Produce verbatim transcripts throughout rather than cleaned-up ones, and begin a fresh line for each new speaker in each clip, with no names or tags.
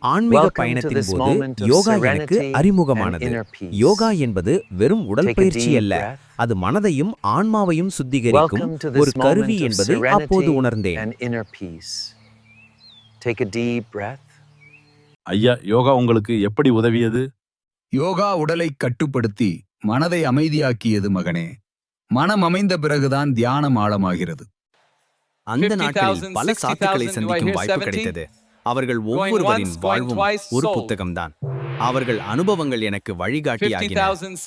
ஆன்மீக பயணத்தின் போது யோகா எனக்கு அறிமுகமானது. யோகா என்பது வெறும் உடற்பயிற்சி அல்ல, அது மனதையும் ஆன்மாவையும் சுத்திகரிக்கும் ஒரு கருவி என்பதை அப்போது உணர்ந்தேன்.
ஐயா, யோகா உங்களுக்கு எப்படி உதவியது?
யோகா உடலை கட்டுப்படுத்தி மனதை அமைதியாக்கியது மகனே. மனம் அமைந்த பிறகுதான் தியானம் ஆழமாகிறது.
அந்த நாட்களில் பல சாத்துக்களை சந்திக்கும் வாய்ப்பு கிடைத்தது. அவர்கள் ஒவ்வொருவரின் வாழ்வும் ஒரு புத்தகம்தான். அவர்கள் அனுபவங்கள் எனக்கு வழிகாட்டியாகின.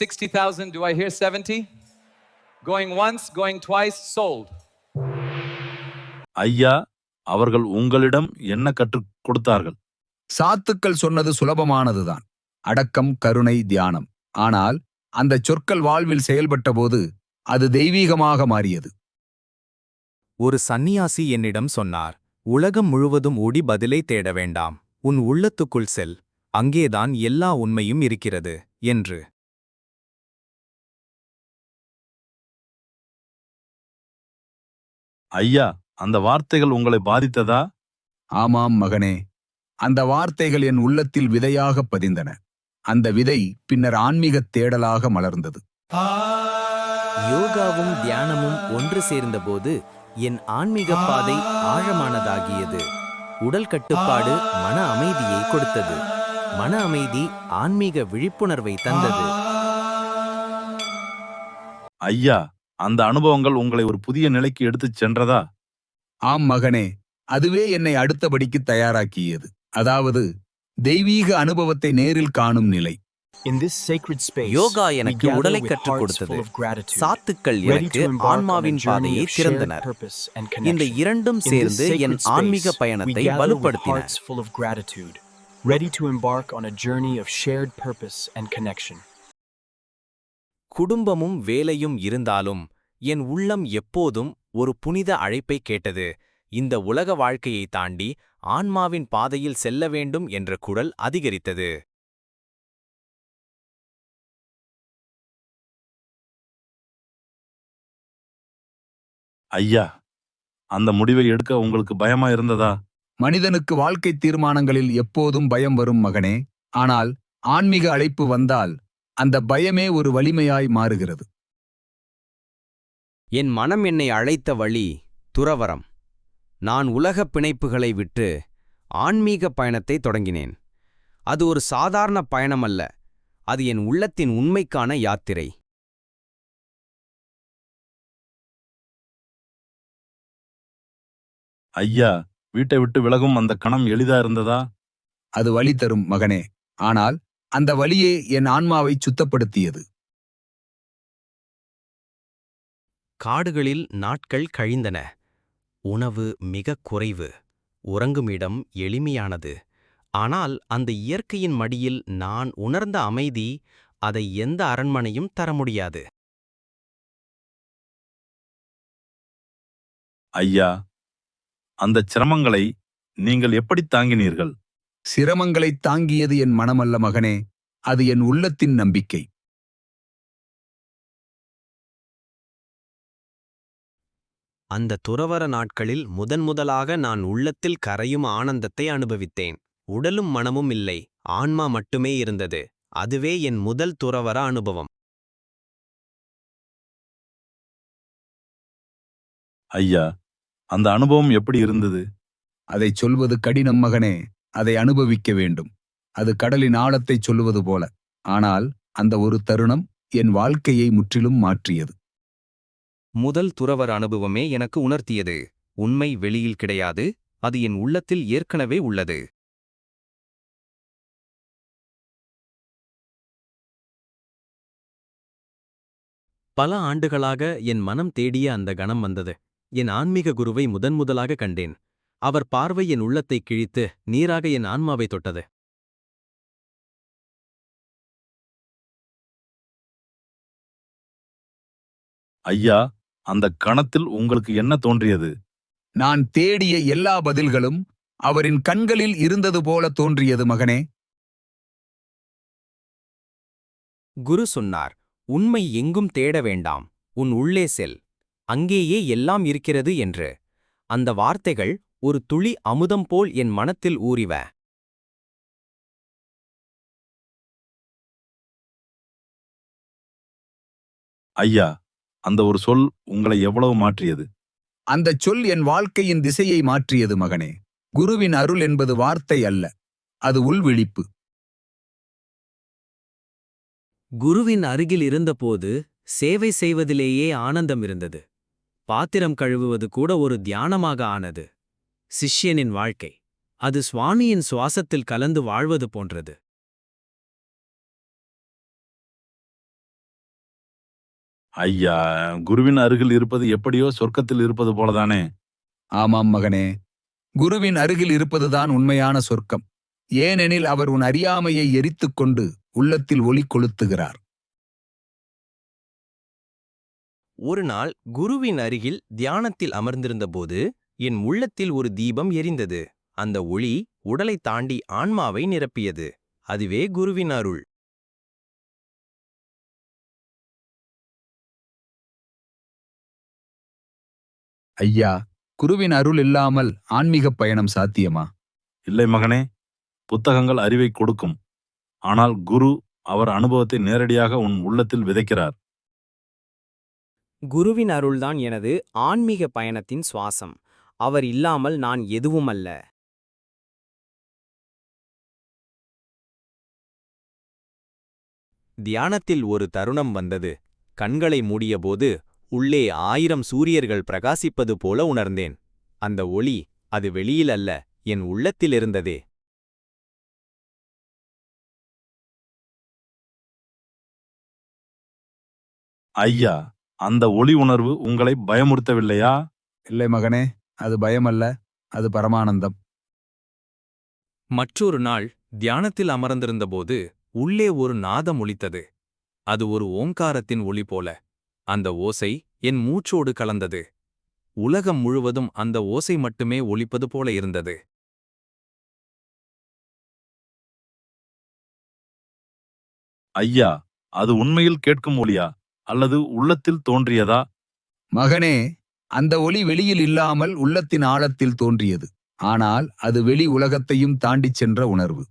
ஐயா, அவர்கள் உங்களிடம் என்ன கற்றுக் கொடுத்தார்கள்?
சாத்துக்கள் சொன்னது சுலபமானதுதான், அடக்கம், கருணை, தியானம். ஆனால் அந்த சொற்கள் வாழ்வில் செயல்பட்ட போது அது தெய்வீகமாக மாறியது.
ஒரு சந்நியாசி என்னிடம் சொன்னார், உலகம் முழுவதும் ஓடி பதிலை தேட வேண்டாம், உன் உள்ளத்துக்குள் செல், அங்கேதான் எல்லா உண்மையும் இருக்கிறது என்று.
ஐயா, அந்த வார்த்தைகள் உங்களை பாதித்ததா?
ஆமாம் மகனே, அந்த வார்த்தைகள் என் உள்ளத்தில் விதையாக பதிந்தன. அந்த விதை பின்னர் ஆன்மீகத் தேடலாக மலர்ந்தது.
யோகாவும் தியானமும் ஒன்று சேர்ந்தபோது என் ஆன்மீக பாதை ஆழமானதாகியது. உடல் கட்டுப்பாடு மன அமைதியை கொடுத்தது. மன அமைதி ஆன்மீக விழிப்புணர்வை தந்தது.
ஐயா, அந்த அனுபவங்கள் உங்களை ஒரு புதிய நிலைக்கு எடுத்துச் சென்றதா?
ஆம் மகனே, அதுவே என்னை அடுத்தபடிக்கு தயாராக்கியது. அதாவது தெய்வீக அனுபவத்தை நேரில் காணும் நிலை.
யோகா எனக்கு உடலை கற்றுக் கொடுத்தது. சாத்துக்கள் எனக்கு ஆன்மாவின் பாதையை திறந்தனர். இந்த இரண்டும் சேர்ந்து என் ஆன்மீக பயணத்தை வலுப்படுத்தின. குடும்பமும் வேலையும் இருந்தாலும் என் உள்ளம் எப்போதும் ஒரு புனித அழைப்பை கேட்டது. இந்த உலக வாழ்க்கையை தாண்டி ஆன்மாவின் பாதையில் செல்ல வேண்டும் என்ற குரல் அதிகரித்தது.
ஐயா, அந்த முடிவை எடுக்க உங்களுக்கு பயமா இருந்ததா?
மனிதனுக்கு வாழ்க்கை தீர்மானங்களில் எப்போதும் பயம் வரும் மகனே. ஆனால் ஆன்மீக அழைப்பு வந்தால் அந்த பயமே ஒரு வலிமையாய் மாறுகிறது.
என் மனம் என்னை அழைத்த வழி துறவறம். நான் உலகப் பிணைப்புகளை விட்டு ஆன்மீக பயணத்தை தொடங்கினேன். அது ஒரு சாதாரண பயணமல்ல, அது என் உள்ளத்தின் உண்மைக்கான யாத்திரை.
ஐயா, வீட்டை விட்டு விலகும் அந்த கணம் எளிதா இருந்ததா?
அது வலி தரும் மகனே, ஆனால் அந்த வலியே என் ஆன்மாவை சுத்தப்படுத்தியது.
காடுகளில் நாட்கள் கழிந்தன. உணவு மிகக் குறைவு, உறங்குமிடம் எளிமையானது. ஆனால் அந்த இயற்கையின் மடியில் நான் உணர்ந்த அமைதி அதை எந்த அரண்மனையும் தர முடியாது.
ஐயா, அந்த சிரமங்களை நீங்கள் எப்படி தாங்கினீர்கள்?
சிரமங்களை தாங்கியது என் மனமல்ல மகனே, அது என் உள்ளத்தின் நம்பிக்கை.
அந்த துறவற நாட்களில் முதன் முதலாக நான் உள்ளத்தில் கரையும் ஆனந்தத்தை அனுபவித்தேன். உடலும் மனமும் இல்லை, ஆன்மா மட்டுமே இருந்தது. அதுவே என் முதல் துறவற அனுபவம்.
ஐயா, அந்த அனுபவம் எப்படி இருந்தது?
அதைச் சொல்வது கடினம் மகனே, அதை அனுபவிக்க வேண்டும். அது கடலின் ஆழத்தைச் சொல்லுவது போல. ஆனால் அந்த ஒரு தருணம் என் வாழ்க்கையை முற்றிலும் மாற்றியது.
முதல் துறவற அனுபவமே எனக்கு உணர்த்தியது, உண்மை வெளியில் கிடையாது, அது என் உள்ளத்தில் ஏற்கனவே உள்ளது.
பல ஆண்டுகளாக என் மனம் தேடிய அந்த கணம் வந்தது. என் ஆன்மீக குருவை முதன்முதலாக கண்டேன். அவர் பார்வை என் உள்ளத்தை கிழித்து நீராக என் ஆன்மாவை தொட்டது.
ஐயா, அந்த கணத்தில் உங்களுக்கு என்ன தோன்றியது?
நான் தேடிய எல்லா பதில்களும் அவரின் கண்களில் இருந்தது போல தோன்றியது மகனே.
குரு சொன்னார், உண்மை எங்கும் தேட வேண்டாம், உன் உள்ளே செல், அங்கேயே எல்லாம் இருக்கிறது என்று. அந்த வார்த்தைகள் ஒரு துளி அமுதம் போல் என் மனத்தில் ஊறிவ.
ஐயா, அந்த ஒரு சொல் உங்களை எவ்வளவு மாற்றியது?
அந்தச் சொல் என் வாழ்க்கையின் திசையை மாற்றியது மகனே. குருவின் அருள் என்பது வார்த்தை அல்ல, அது உள்விழிப்பு.
குருவின் அருகில் இருந்தபோது சேவை செய்வதிலேயே ஆனந்தம் இருந்தது. பாத்திரம் கழுவுவது கூட ஒரு தியானமாக ஆனது. சிஷ்யனின் வாழ்க்கை, அது சுவாமியின் சுவாசத்தில் கலந்து வாழ்வது போன்றது.
ஐயா, குருவின் அருகில் இருப்பது எப்படியோ சொர்க்கத்தில் இருப்பது போலதானே?
ஆமாம் மகனே, குருவின் அருகில் இருப்பதுதான் உண்மையான சொர்க்கம். ஏனெனில் அவர் உன் அறியாமையை எரித்துக் கொண்டு உள்ளத்தில் ஒளி கொளுத்துகிறார்.
ஒரு நாள் குருவின் அருகில் தியானத்தில் அமர்ந்திருந்தபோது என் உள்ளத்தில் ஒரு தீபம் எரிந்தது. அந்த ஒளி உடலை தாண்டி ஆன்மாவை நிரப்பியது. அதுவே குருவின் அருள்.
ஐயா, குருவின் அருள் இல்லாமல் ஆன்மீகப் பயணம் சாத்தியமா?
இல்லை மகனே, புத்தகங்கள் அறிவை கொடுக்கும். ஆனால் குரு அவர் அனுபவத்தை நேரடியாக உன் உள்ளத்தில் விதைக்கிறார்.
குருவின் அருள்தான் எனது ஆன்மீக பயணத்தின் சுவாசம். அவர் இல்லாமல் நான் எதுவுமல்ல.
தியானத்தில் ஒரு தருணம் வந்தது. கண்களை மூடியபோது உள்ளே ஆயிரம் சூரியர்கள் பிரகாசிப்பது போல உணர்ந்தேன். அந்த ஒளி, அது வெளியில் அல்ல, என் உள்ளத்திலிருந்ததே.
ஐயா, அந்த ஒளி உணர்வு உங்களை பயமுறுத்தவில்லையா?
இல்லை மகனே, அது பயமல்ல, அது பரமானந்தம்.
மற்றொரு நாள் தியானத்தில் அமர்ந்திருந்தபோது உள்ளே ஒரு நாதம் ஒலித்தது. அது ஒரு ஓங்காரத்தின் ஒலி போல. அந்த ஓசை என் மூச்சோடு கலந்தது. உலகம் முழுவதும் அந்த ஓசை மட்டுமே ஒலிப்பது போல இருந்தது.
ஐயா, அது உண்மையில் கேட்கும் ஒலியா அல்லது உள்ளத்தில் தோன்றியதா?
மகனே, அந்த ஒளி வெளியில் இல்லாமல் உள்ளத்தின் ஆழத்தில் தோன்றியது. ஆனால் அது வெளி உலகத்தையும் தாண்டிச் சென்ற உணர்வு.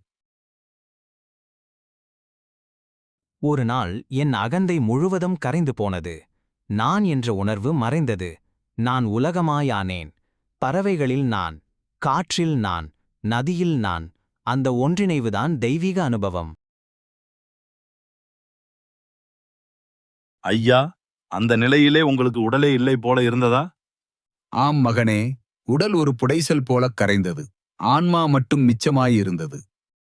ஒரு நாள் என் அகந்தை முழுவதும் கரைந்து போனது. நான் என்ற உணர்வு மறைந்தது. நான் உலகமாயானேன். பறவைகளில் நான், காற்றில் நான், நதியில் நான். அந்த ஒன்றிணைவுதான் தெய்வீக அனுபவம்.
ஐயா, அந்த நிலையிலே உங்களுக்கு உடலே இல்லை போல இருந்ததா?
ஆம் மகனே, உடல் ஒரு புடைசல் போலக் கரைந்தது. ஆன்மா மட்டும் மிச்சமாயிருந்தது.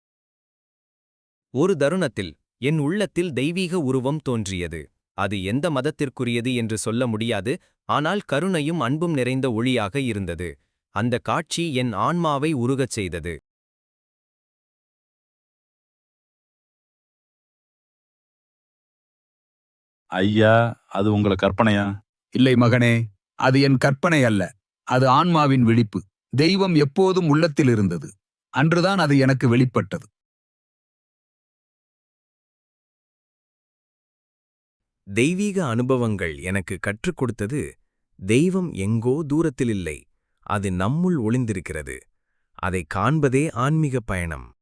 ஒரு தருணத்தில் என் உள்ளத்தில் தெய்வீக உருவம் தோன்றியது. அது எந்த மதத்திற்குரியது என்று சொல்ல முடியாது, ஆனால் கருணையும் அன்பும் நிறைந்த ஒளியாக இருந்தது. அந்த காட்சி என் ஆன்மாவை உருகச் செய்தது.
ஐயா, அது உங்கள கற்பனையா?
இல்லை மகனே, அது என் கற்பனை அல்ல, அது ஆன்மாவின் விழிப்பு. தெய்வம் எப்போதும் உள்ளத்தில் இருந்தது. அன்றுதான் அது எனக்கு வெளிப்பட்டது.
தெய்வீக அனுபவங்கள் எனக்கு கற்றுக் கொடுத்தது, தெய்வம் எங்கோ தூரத்தில் இல்லை, அது நம்முள் ஒளிந்திருக்கிறது. அதைக் காண்பதே ஆன்மீக பயணம்.